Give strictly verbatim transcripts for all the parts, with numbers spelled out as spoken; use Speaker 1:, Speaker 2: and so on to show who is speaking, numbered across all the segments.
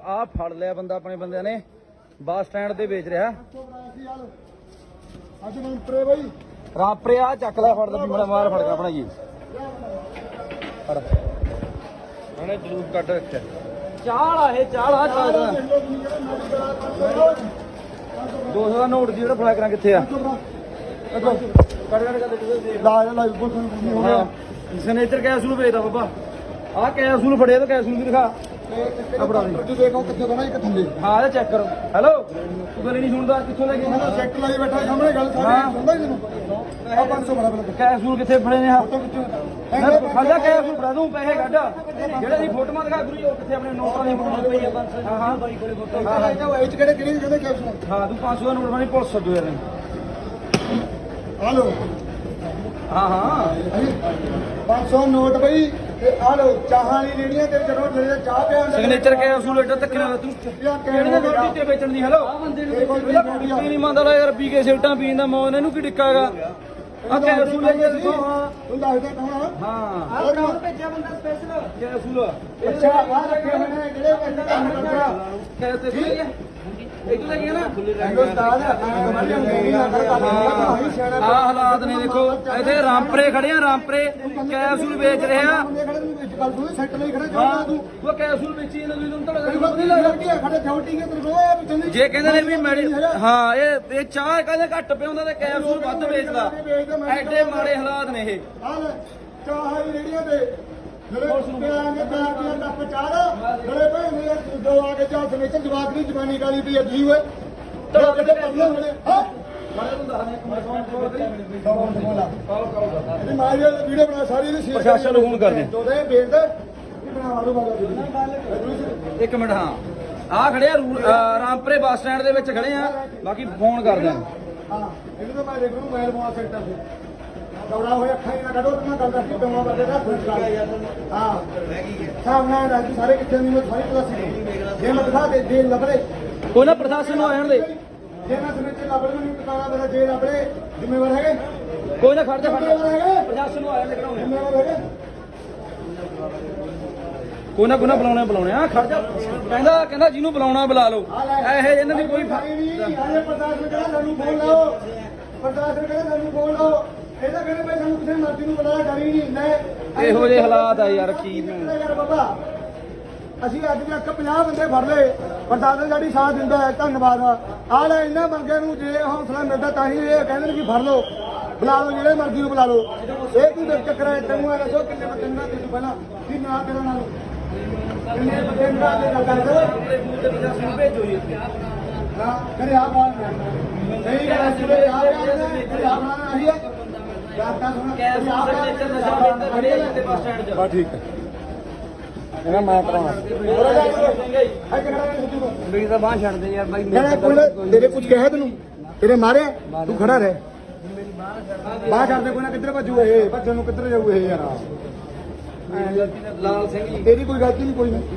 Speaker 1: ਆ ਫੜ ਲਿਆ ਬੰਦਾ ਆਪਣੇ ਬੰਦਿਆਂ ਨੇ ਬੱਸ ਸਟੈਂਡ ਤੇ ਵੇਚ ਰਿਹਾ
Speaker 2: ਅੱਜ ਰਾਮਪਰੇ ਬਾਈ
Speaker 1: ਰਾਮਪਰੇ ਆ ਚੱਕ ਲੈ ਫੜ ਲੈ ਬੜਾ ਮਾਰ ਫੜ ਗਿਆ ਆਪਣਾ ਜੀ ਫੜ ਉਹਨੇ ਜਲੂਸ ਕੱਢ ਰੱਖਿਆ ਚਾਲ ਆ ਇਹ ਚਾਲ ਆ ਚਾਲ ਦੋ ਸੌ ਦਾ ਨੋਟ ਜਿਹੜਾ ਫੜਾ ਕਰਾਂ ਕਿੱਥੇ ਆ ਕੱਢ ਕੱਢ ਕੱਢ
Speaker 2: ਲਾ ਲਾ ਬਹੁਤ ਹੋ ਗਿਆ
Speaker 1: ਸਨੇਚਰ ਕੈਸੂਲ ਵੇਚਦਾ ਬਾਬਾ ਆਹ ਕੈਸੂਲ ਫੜਿਆ ਤਾਂ ਕੈਸੂਲ ਵੀ ਦਿਖਾ
Speaker 2: ਆਪਣਾ ਤੂੰ ਦੇਖੋ ਕਿੱਥੇ ਤੋਂ ਨਾ ਇੱਕ ਥੱਲੇ
Speaker 1: ਹਾਂ ਇਹ ਚੈੱਕ ਕਰੋ ਹੈਲੋ ਤੂੰ ਗੱਲ ਨਹੀਂ ਸੁਣਦਾ ਕਿੱਥੋਂ ਲੈ ਕੇ
Speaker 2: ਮੈਂ ਚੈੱਕ ਲਾਈ ਬੈਠਾ ਸਾਹਮਣੇ ਗੱਲ ਸਾਰੀ ਸੁਣਦਾ ਹੀ ਤੈਨੂੰ ਆ ਪੰਜ ਸੌ ਬੜਾ ਬੜਾ
Speaker 1: ਕੈਸੂਲ ਕਿੱਥੇ ਫੜੇ ਨੇ ਆ
Speaker 2: ਫੋਟੋ ਕਿੱਥੇ
Speaker 1: ਖਾਦਾ ਕੈਸੂਲ ਫੜਾ ਦੂੰ ਪੈਸੇ ਕੱਢ ਜਿਹੜੇ ਦੀ ਫੋਟੋਆਂ ਦਿਖਾ ਗੁਰੂ ਉਹ ਕਿੱਥੇ ਆਪਣੇ ਨੋਟਾਂ ਦੀ ਫੋਟੋ ਪਈ ਆ ਹਾਂ ਹਾਂ ਬਾਈ ਕੋਲੇ ਫੋਟੋ
Speaker 2: ਹਾਂ ਹਾਂ ਇਹ ਚ ਕਿਹੜੇ ਕਿਹੜੇ ਕਹਿੰਦੇ ਕੈਪਸ਼ਨ
Speaker 1: ਹਾਂ ਤੂੰ ਪੰਜ ਸੌ ਦਾ ਨੋਟ ਬਣੀ ਪੁਲਿਸ ਸੱਦੋ ਯਾਰ
Speaker 2: ਹਲੋ
Speaker 1: ਹਾਂ ਹਾਂ
Speaker 2: ਪੰਜ ਸੌ ਨੋਟ ਬਈ ਤੇ ਆ ਲੋ ਚਾਹਾਂ ਵਾਲੀ ਰੇੜੀਆਂ ਤੇ ਜਦੋਂ ਜਿਹੜੇ ਚਾਹ ਪਿਆ
Speaker 1: ਸਿਗਨੇਚਰ ਕੈਸੂਲ ਐਡਾ ਧੱਕੇ ਨਾਲ ਤੂੰ ਕਿਹੜੇ ਨੇ ਨੋਟ ਦਿੱਤੇ ਵੇਚਣ ਦੀ ਹੈਲੋ ਆ ਬੰਦੇ ਨੂੰ ਨਹੀਂ ਮੰਨਦਾ ਯਾਰ ਪੀ ਕੇ ਸਿਗਰਟਾਂ ਪੀਣ ਦਾ ਮੌਨ ਇਹਨੂੰ ਕੀ ਡਿੱਕਾ ਹੈਗਾ ਆ ਕੈਸੂਲ ਲੈ ਕੇ ਦੱਸੋ ਹਾਂ
Speaker 2: ਤੂੰ ਦੱਸਦਾ ਕੌਣ
Speaker 1: ਹਾਂ
Speaker 2: ਆ ਕੌਣ
Speaker 1: ਭੇਜਿਆ ਬੰਦਾ ਸਪੈਸ਼ਲ ਕੈਸੂਲ
Speaker 2: ਅੱਛਾ ਆ ਰੱਖੇ ਹੋਏ ਨੇ ਜਿਹੜੇ ਬੰਦੇ ਕੰਮ ਕਰਦਾ
Speaker 1: ਕੈਸੇ ਸੁਣ ਗਿਆ ਇਹ ਲੈ ਗਿਆ ਨਾ
Speaker 2: ਹਿੰਦੁਸਤਾਨ
Speaker 1: ਆ ਹਾਲਾਤ ਨੇ ਦੇਖੋ ਇੱਥੇ ਰਾਮਪਰੇ ਖੜੇ ਆ ਰਾਮਪਰੇ ਕੈਸੂਲ ਵੇਚ ਰਹੇ ਆ
Speaker 2: ਗੱਲ ਤੂੰ ਸੈੱਟ ਲਈ ਖੜਾ ਚਾਹਦਾ ਤੂੰ
Speaker 1: ਉਹ ਕੈਸੂਲ ਵੇਚੀ ਇਹਨਾਂ ਨੂੰ
Speaker 2: ਤੈਨੂੰ
Speaker 1: ਤੁਹਾਡਾ
Speaker 2: ਨਹੀਂ ਲੱਗਦੀ ਖੜੇ ਛੋਟੀ ਹੈ ਤੈਨੂੰ ਉਹ ਪਿੱਛੇ
Speaker 1: ਜੇ ਕਹਿੰਦੇ ਨੇ ਵੀ ਮੈਡੀ ਹਾਂ ਇਹ ਇਹ ਚਾਹ ਕਹਿੰਦੇ ਘੱਟ ਪਿਆਉਂਦਾ ਤੇ ਕੈਸੂਲ ਵੱਧ ਵੇਚਦਾ ਐਡੇ ਮਾੜੇ ਹਾਲਾਤ ਨੇ ਇਹ
Speaker 2: ਆ ਲੈ ਚਾਹ ਦੀ ਰੇੜੀਆਂ ਤੇ ਜਿਹੜੇ ਪਿਆਂਗੇ ਚਾਹ ਦੀਆਂ ਟੱਪ ਚਾਹ ਜਿਹੜੇ ਭੈਣੇ ਦੋ ਆ ਕੇ ਚਾਹ ਸਮੇਚਰ ਜਵਾਕ ਦੀ ਜਵਾਨੀ ਕਾਲੀ ਪਈ ਅੱਧੀ ਓਏ ਤੜਾ ਕਿਤੇ ਪੜਨਾ ਮਿਲੇ ਹਾਂ ਇਹ ਮਾਰੀ ਵੀਡੀਓ ਬਣਾ ਸਾਰੀ ਦੀ
Speaker 1: ਪ੍ਰਸ਼ਾਸਨ ਨੂੰ ਫੋਨ ਕਰਦੇ
Speaker 2: ਦੋਦੇ ਵੇਚ ਦੇ ਬਣਾ ਲਓ ਬਾਬਾ
Speaker 1: ਇੱਕ ਮਿੰਟ ਹਾਂ ਆ ਖੜੇ ਆ ਰੂ- ਅਹ ਰਾਮਪਰੇ ਬੱਸ ਸਟੈਂਡ ਦੇ ਵਿੱਚ ਖੜੇ ਆ ਬਾਕੀ ਫੋਨ ਕਰਦੇ ਆ
Speaker 2: ਹਾਂ ਇਹਨੂੰ ਤਾਂ ਮੈਂ ਦੇਖ ਲੂ ਮੋਬਾਈਲ ਫੋਨ ਸੈਂਟਰ ਤੇ ਦੌੜਾ ਹੋਇਆ ਅੱਖਾਂ ਹੀ ਨਾ ਕੱਢੋ ਤੇ ਮੈਂ ਗੱਲ ਕਰਦੀ ਦਮਾ ਬੰਦੇ ਦਾ ਖੁਸ਼ ਹਾਂ ਸਾਹਮਣੇ ਰਾਜੀ ਸਾਰੇ ਕਿੱਥੇ ਨਹੀਂ ਮੈਂ ਸਾਰੀ ਪਤਾ ਸੀ ਜੇ ਮੈਂ ਦਿਖਾ ਦੇ ਦੇ ਲੱਭੜੇ
Speaker 1: ਕੋਈ ਨਾ ਪ੍ਰਸ਼ਾਸਨ ਨੂੰ ਆ ਜਾਣ ਦੇ
Speaker 2: ਜੇ ਮੈਂ ਸਮੇਂ ਲੱਭੜੇ ਨੂੰ ਟਿਕਾਣਾ ਮੇਰਾ ਜੇ ਲੱਭੜੇ ਜ਼ਿੰਮੇਵਾਰ ਹੈਗੇ
Speaker 1: ਕੋਈ ਨਾ ਖੜ ਜਾ ਖੜ ਜਾ
Speaker 2: ਜ਼ਿੰਮੇਵਾਰ ਹੈਗੇ
Speaker 1: ਪ੍ਰਸ਼ਾਸਨ ਨੂੰ ਆ ਜਾਣ ਦੇ ਕਢਾਉਣੇ
Speaker 2: ਜ਼ਿੰਮੇਵਾਰ ਹੈਗੇ
Speaker 1: ਕੋਈ ਨਾ ਕੋਈ ਨਾ ਬੁਲਾਉਣੇ ਬੁਲਾਉਣੇ ਆ ਖੜ ਜਾ ਕਹਿੰਦਾ ਕਹਿੰਦਾ ਜਿਹਨੂੰ ਬੁਲਾਉਣਾ ਬੁਲਾ ਲਓ ਇਹ ਇਹਨਾਂ ਦੀ ਕੋਈ
Speaker 2: ਫਾਇਦਾ ਨਹੀਂ ਆਲੇ ਪ੍ਰਸ਼ਾਸਨ ਕਹਿੰਦਾ ਸਾਨੂੰ ਫੋਨ ਲਾਓ ਪ੍ਰਸ਼ਾਸਨ ਕਹਿੰਦਾ ਸਾਨੂੰ ਫੋਨ ਲਾਓ ਇਹਦਾ ਕਹਿੰਦੇ ਭਾਈ ਸਾਨੂੰ ਕਿਸੇ ਮਰਜ਼ੀ ਨੂੰ ਬੁਲਾਇਆ ਡਰੀ ਨਹੀਂ ਹੁੰਦਾ
Speaker 1: ਇਹੋ ਜਿਹੇ ਹਾਲਾਤ ਆ ਯਾਰ ਕੀ
Speaker 2: ਯਾਰ ਬਾਬਾ ਅਸੀਂ ਅੱਜ ਤੱਕ ਪੰਜਾਹ ਬੰਦੇ ਫੜ ਲਏ ਪ੍ਰਸ਼ਾਸਨ ਸਾਡੀ ਸਾਥ ਦਿੰਦਾ ਹੈ ਧੰਨਵਾਦ ਆ ਲੈ ਇਹਨਾਂ ਬੰਦਿਆਂ ਨੂੰ ਜੇ ਹੌਸਲਾ ਮਿਲਦਾ ਤਾਂ ਹੀ ਇਹ ਕਹਿੰਦੇ ਨੇ ਕਿ ਫੜ ਲਓ ਬੁਲਾ ਲਓ ਜਿਹੜੇ ਮਰਜ਼ੀ ਨੂੰ ਬੁਲਾ ਲਓ ਇਹ ਤੂੰ ਦੇਖ ਚੱਕਰ ਹੈ ਤੈਨੂੰ ਆ ਦੱਸੋ ਕਿੰਨੇ ਬੰਦੇ ਨਾਲ ਤੈਨੂੰ ਪਹਿਲਾਂ ਕੀ ਨਾਂ ਤੇਰਾ ਨਾਲ ਕਿੰਨੇ ਬੰਦੇ ਨਾਲ ਤੇ ਗੱਲ ਕਰ
Speaker 1: ਭੇਜੋ ਜੀ
Speaker 2: ਹਾਂ ਕਰੇ ਆ ਬਾਤ ਸਹੀ ਗੱਲ ਹੈ ਜਿਹੜੇ ਆ ਰਹੇ ਆ ਬਣਾ ਰਹੀ ਹੈ ਗਾਤਾ ਸੁਣ
Speaker 1: ਕੈਸੂਲ ਸਿਗਨੇਚਰ ਨਸ਼ਾ ਵੇਚਦਾ ਖੜੇ ਆ ਇੱਥੇ ਬੱਸ ਸਟੈਂਡ 'ਚ
Speaker 2: ਬਾ ਠੀਕ ਹੈ ਇਹਨਾਂ ਮੈਂ ਕਰਾਉਣਾ
Speaker 1: ਮੇਰੀ ਤਾਂ ਬਾਂਹ ਛੱਡ ਦੇ ਯਾਰ ਬਾਈ
Speaker 2: ਕਹਿੰਦਾ ਕੋਈ ਨਾ ਤੇਰੇ ਕੁਝ ਕਿਹਾ ਤੈਨੂੰ ਤੇਰੇ ਮਾਰਿਆ ਤੂੰ ਖੜਾ ਰਹਿ ਬਾਹਰ ਛੱਡ ਦੇ ਕੋਈ ਨਾ ਕਿੱਧਰ ਭੱਜੂ ਇਹ ਭੱਜਣ ਨੂੰ ਕਿੱਧਰ ਜਾਊ ਇਹ ਯਾਰ
Speaker 1: ਲਾਲ ਸਿੰਘ ਜੀ
Speaker 2: ਤੇਰੀ ਕੋਈ ਗਲਤੀ ਨਹੀਂ ਕੋਈ ਨਾ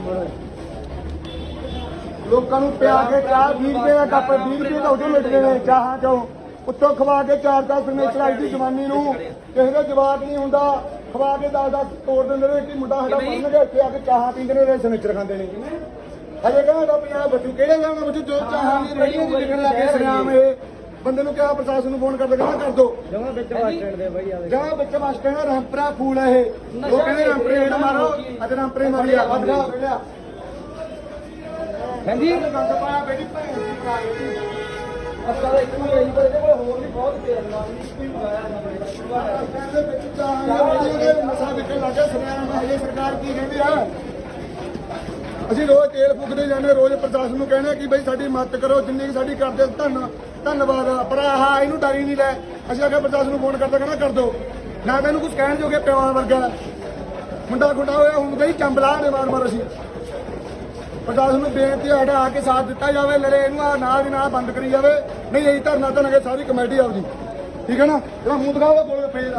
Speaker 2: ਲੋਕਾਂ ਨੂੰ ਪਿਆ ਕੇ ਚਾਹ ਵੀਹ ਰੁਪਏ ਦਾ ਕੱਪ ਵੀਹ ਰੁਪਏ ਦਾ ਉਦੋਂ ਮਿਲਦੇ ਨੇ ਚਾਹਾਂ ਚੋਂ ਉੱਤੋਂ ਖਵਾ ਕੇ ਚਾਰ ਦਸ ਨੇ ਚੜਾਈ ਦੀ ਜਵਾਨੀ ਨੂੰ ਕਿਸੇ ਦਾ ਜਵਾਬ ਨਹੀਂ ਹੁੰਦਾ ਖਵਾ ਕੇ ਦਸ ਦਸ ਤੋੜ ਦਿੰਦੇ ਨੇ ਕਿ ਮੁੰਡਾ ਸਾਡਾ ਪੜਨਗੇ ਇੱਥੇ ਆ ਕੇ ਚਾਹਾਂ ਪੀਂਦੇ ਨੇ ਸਨੇਚਰ ਖਾਂਦੇ ਨੇ ਹਜੇ ਕਹਿੰਦਾ ਪੰਜਾਬ ਬੱਚੂ ਕਿਹੜੇ ਹਿਸਾਬ ਨਾਲ ਬੱਚੂ ਜੋ ਚਾਹਾਂ ਦੀ ਰੇੜੀਆਂ ਦੀ ਵਿਕਣ ਲੱਗੇ ਸਰਿਆਮ ਇਹ ਬੰਦੇ ਨੂੰ ਕਿਹਾ ਪ੍ਰਸ਼ਾਸਨ ਨੂੰ ਫੋਨ ਕਰਦੇ ਕਹਿੰਦਾ ਕਰ ਦੋ
Speaker 1: ਜਮਾ ਵਿੱਚ ਬੱਸ ਸਟੈਂਡ ਦੇ ਬਾਈ ਆ
Speaker 2: ਜਮਾ ਵਿੱਚ ਬੱਸ ਸਟੈਂਡ ਰਾਮਪਰਾ ਫੂਲ ਹੈ ਇਹ ਉਹ ਕਹਿੰਦੇ ਰਾਮਪਰੇ ਹੇਠ ਮਾਰੋ ਅੱਜ ਰਾਮਪਰੇ ਮਾਰੀ ਆ ਵੱਧ ਗਾ ਵੇਲਿਆ
Speaker 1: ਹਾਂਜੀ
Speaker 2: ਗੰਦ ਪਾਇਆ ਬੇਟੀ ਭੈਣ ਦੀ ਕਾਈ
Speaker 1: ਅਸਲ ਇੱਕ ਵੀ ਆਈ ਪਰ ਇਹਦੇ ਕੋਲ ਹੋਰ ਵੀ ਬਹੁਤ ਪਿਆਰ ਨਾਲ ਵੀ ਮੰਗਾਇਆ
Speaker 2: ਕਹਿੰਦੇ ਵਿੱਚ ਚਾਹਾਂ ਨਸ਼ਾ ਵਿਕਣ ਲੱਗਾ ਸਰਿਆਮ ਹਜੇ ਸਰਕਾਰ ਕੀ ਕਹਿੰਦੀ ਆ ਅਸੀਂ ਰੋਜ਼ ਤੇਲ ਫੂਕਦੇ ਜਾਂਦੇ ਰੋਜ਼ ਪ੍ਰਸ਼ਾਸਨ ਨੂੰ ਕਹਿੰਦੇ ਕਿ ਬਈ ਸਾਡੀ ਮਦਦ ਕਰੋ ਜਿੰਨੀ ਸਾਡੀ ਕਰਦੇ ਧੰਨ ਧੰਨਵਾਦ ਪਰ ਆਹ ਇਹਨੂੰ ਡਰੀ ਨਹੀਂ ਲੈ ਅਸੀਂ ਆਖਿਆ ਪ੍ਰਸ਼ਾਸਨ ਨੂੰ ਫੋਨ ਕਰਦਾ ਕਹਿੰਦਾ ਕਰ ਦੋ ਨਾ ਮੈਨੂੰ ਕੁਝ ਕਹਿਣ ਜੋਗੇ ਪਿਆਰ ਵਰਗਾ ਮੁੰਡਾ ਖੁੰਡਾ ਹੋਇਆ ਹੁਣ ਗਈ ਚੰਬਲਾ ਨੇ ਮਾਰ ਮਾਰ ਅਸੀਂ ਪ੍ਰਸ਼ਾਸਨ ਨੂੰ ਬੇਨਤੀ ਸਾਡਾ ਆ ਕੇ ਸਾਥ ਦਿੱਤਾ ਜਾਵੇ ਲੜੇ ਇਹਨੂੰ ਆ ਨਾਲ ਦੀ ਨਾਲ ਬੰਦ ਕਰੀ ਜਾਵੇ ਨਹੀਂ ਅਸੀਂ ਧਰਨਾ ਧਰਨਾਂਗੇ ਸਾਰੀ ਕਮੇਟੀ ਆਪਦੀ ਠੀਕ ਹੈ ਨਾ ਜਿਹੜਾ ਮੂੰਹ ਦਿਖਾਵਾ ਬੋਲੇ ਫੇਰ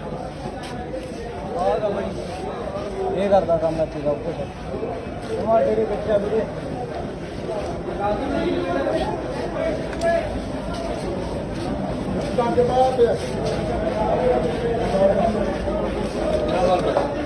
Speaker 1: ਇਹ ਕਰਦਾ ਕੰਮ ਇੱਥੇ ਦਾ ਕੁਝ ਤੁਹਾਡੇ ਦੇ ਬੱਚਾ ਵੀਰੇ
Speaker 2: ਗੰਦ ਪਾਇਆ ਪਿਆ